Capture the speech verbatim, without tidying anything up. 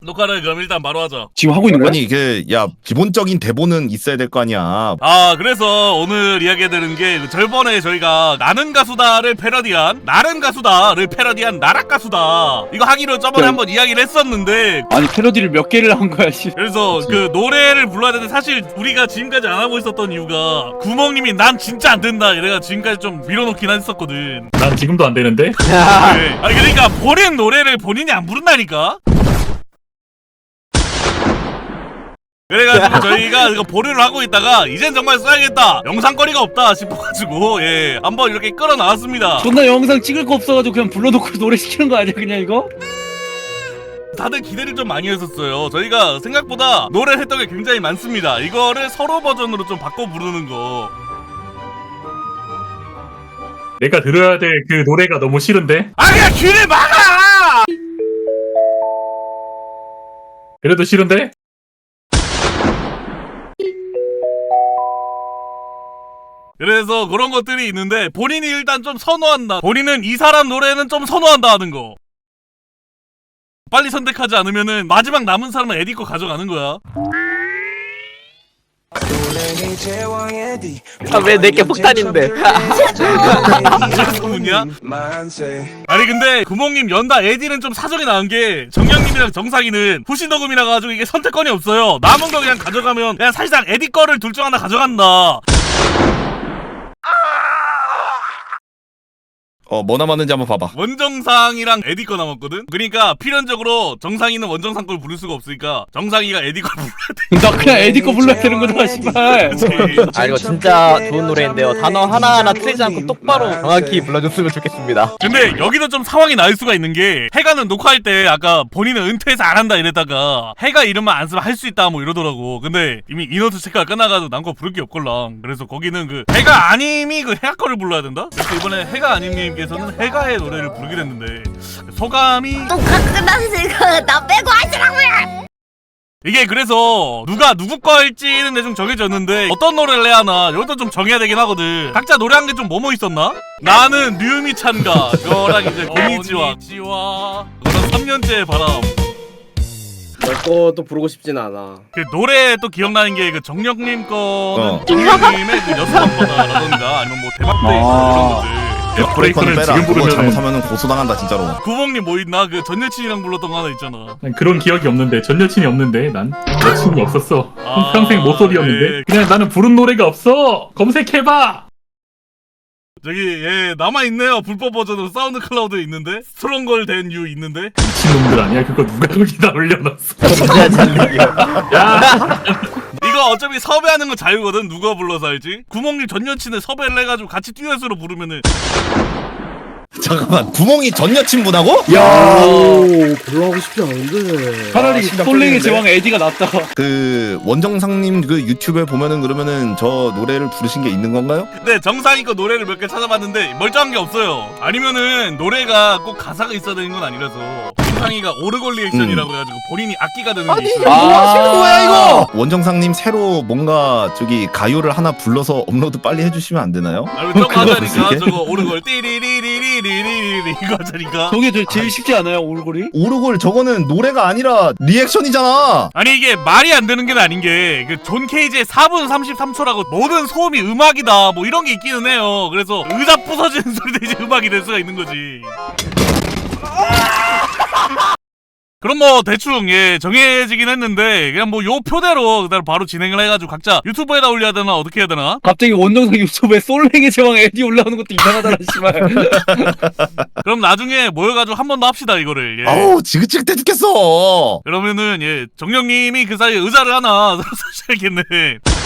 녹화를 그럼 일단 바로 하자. 지금 하고 있는 거야? 아니 이게 야 기본적인 대본은 있어야 될 거 아니야. 아 그래서 오늘 이야기해드리는 게 저번에 저희가 나는 가수다를 패러디한 나는 가수다를 패러디한 나락 가수다 이거 하기로 저번에 네. 한번 이야기를 했었는데 아니 패러디를 몇 개를 한 거야 씨. 그래서 그 노래를 불러야 되는데 사실 우리가 지금까지 안 하고 있었던 이유가 구멍님이 난 진짜 안 된다 이래가 지금까지 좀 밀어놓긴 했었거든. 난 지금도 안 되는데? 네. 아니 그러니까 본인 노래를 본인이 안 부른다니까. 그래가지고 저희가 이거 보류를 하고 있다가 이젠 정말 써야겠다 영상거리가 없다 싶어가지고 예 한번 이렇게 끌어나왔습니다. 존나 영상 찍을 거 없어가지고 그냥 불러놓고 노래 시키는 거 아니야 그냥 이거? 다들 기대를 좀 많이 했었어요. 저희가 생각보다 노래를 했던 게 굉장히 많습니다. 이거를 서로 버전으로 좀 바꿔 부르는 거. 내가 들어야 될 그 노래가 너무 싫은데? 아 그냥 귀를 막아! 그래도 싫은데? 그래서 그런 것들이 있는데 본인이 일단 좀 선호한다. 본인은 이 사람 노래는 좀 선호한다 하는 거. 빨리 선택하지 않으면은 마지막 남은 사람은 에디 거 가져가는 거야. 아, 왜 내게 폭탄인데? 그래서 문이야? 아니 근데 구멍님 연다 에디는 좀 사정이 나은 게 정영님이랑 정상이는 후시 녹음이라 가지고 이게 선택권이 없어요. 남은 거 그냥 가져가면 그냥 사실상 에디 거를 둘 중 하나 가져간다. 어 뭐 남았는지 한번 봐봐. 원정상이랑 에디 거 남았거든? 그러니까 필연적으로 정상이는 원정상 걸 부를 수가 없으니까 정상이가 에디 걸 불러야 돼. 나 그냥 에디 거 불러야 되는 거잖아 씨발. 아 이거 진짜 좋은 노래인데요. 단어 하나하나 틀리지 않고 똑바로 정확히 불러줬으면 좋겠습니다. 근데 여기도 좀 상황이 나을 수가 있는 게 해가는 녹화할 때 아까 본인은 은퇴해서 안 한다 이랬다가 해가 이름만 안 쓰면 할 수 있다 뭐 이러더라고. 근데 이미 인원수 체크가 끝나가지고 난 거 부를 게 없걸랑. 그래서 거기는 그 해가 아님이 그 해가 거를 불러야 된다? 그래서 이번에 해가 아님님께서는 해가의 노래를 부르게 됐는데 소감이 녹화 끝났으니까 나 빼고 하시라고요. 이게 그래서 누가 누구 거 할지는 대충 정해졌는데 어떤 노래를 해야 하나 이것도 좀 정해야 되긴 하거든. 각자 노래한 게 좀 뭐뭐 있었나? 나는 류미찬가 그거랑 이제 고니지와 그런 삼 년째의 바람. 내 것도 부르고 싶진 않아. 그 노래 또 기억나는 게 그 정력님 거는 어. 정력님의 그 여섯 번바다라던가 아니면 뭐 대박데이 아. 이런 것들. 브레이크는 빼라. 지금 그거 부르면은- 잘못하면 고소당한다 진짜로. 구멍님 뭐 있나? 그 전 여친이랑 불렀던 거 하나 있잖아. 난 그런 기억이 없는데 전 여친이 없는데 난 여친이 없었어. 아, 평생 모쏠이었는데 네. 그냥 나는 부른 노래가 없어. 검색해봐. 저기 예 남아있네요. 불법 버전으로 사운드 클라우드에 있는데 스트롱걸 된 유 있는데 미친놈들 아니야? 그거 누가 거기다 올려놨어? 진짜 잔뜩이요. 야 이거 어차피 섭외하는 건 자유거든. 누가 불러서 알지? 구멍님 전 여친을 섭외를 해가지고 같이 듀엣으로 부르면은 잠깐만 구멍이 전 여친분하고? 야, 불러하고 싶지 않은데. 차라리 심장 솔랭의 뚫리는데? 제왕 에디가 낫다. 그 원정상님 그 유튜브에 보면은 그러면은 저 노래를 부르신 게 있는 건가요? 근데 정상이 거 노래를 몇 개 찾아봤는데 멀쩡한 게 없어요. 아니면은 노래가 꼭 가사가 있어야 되는 건 아니라서 정상이가 오르골 리액션이라고 해가지고 본인이 악기가 되는 게 있어요. 아. 뭐 하시는 거야 이거? 원정상님 새로 뭔가 저기 가요를 하나 불러서 업로드 빨리 해주시면 안 되나요? 아니 저거 그거 하자니까 무슨 저거 오르골 띠리리리리리리리 이거 하자니까. 저게 제일, 제일 쉽지 않아요 올골이? 오르골 저거는 노래가 아니라 리액션이잖아. 아니 이게 말이 안 되는 게 아닌 게 그 존 케이지의 사 분 삼십삼 초라고 모든 소음이 음악이다 뭐 이런 게 있기는 해요. 그래서 의자 부서지는 소리도 이제 음악이 될 수가 있는 거지. 그럼 뭐 대충 예 정해지긴 했는데 그냥 뭐 요 표대로 그대로 바로 진행을 해가지고 각자 유튜브에다 올려야 되나 어떻게 해야 되나? 갑자기 원정상 유튜브에 솔랭의 제왕 에디 올라오는 것도 이상하잖아 씨발. 그럼 나중에 모여가지고 한 번 더 합시다 이거를. 예. 아우 지긋지긋해 죽겠어. 그러면은 예 정령님이 그 사이에 의자를 하나 사셔야겠네.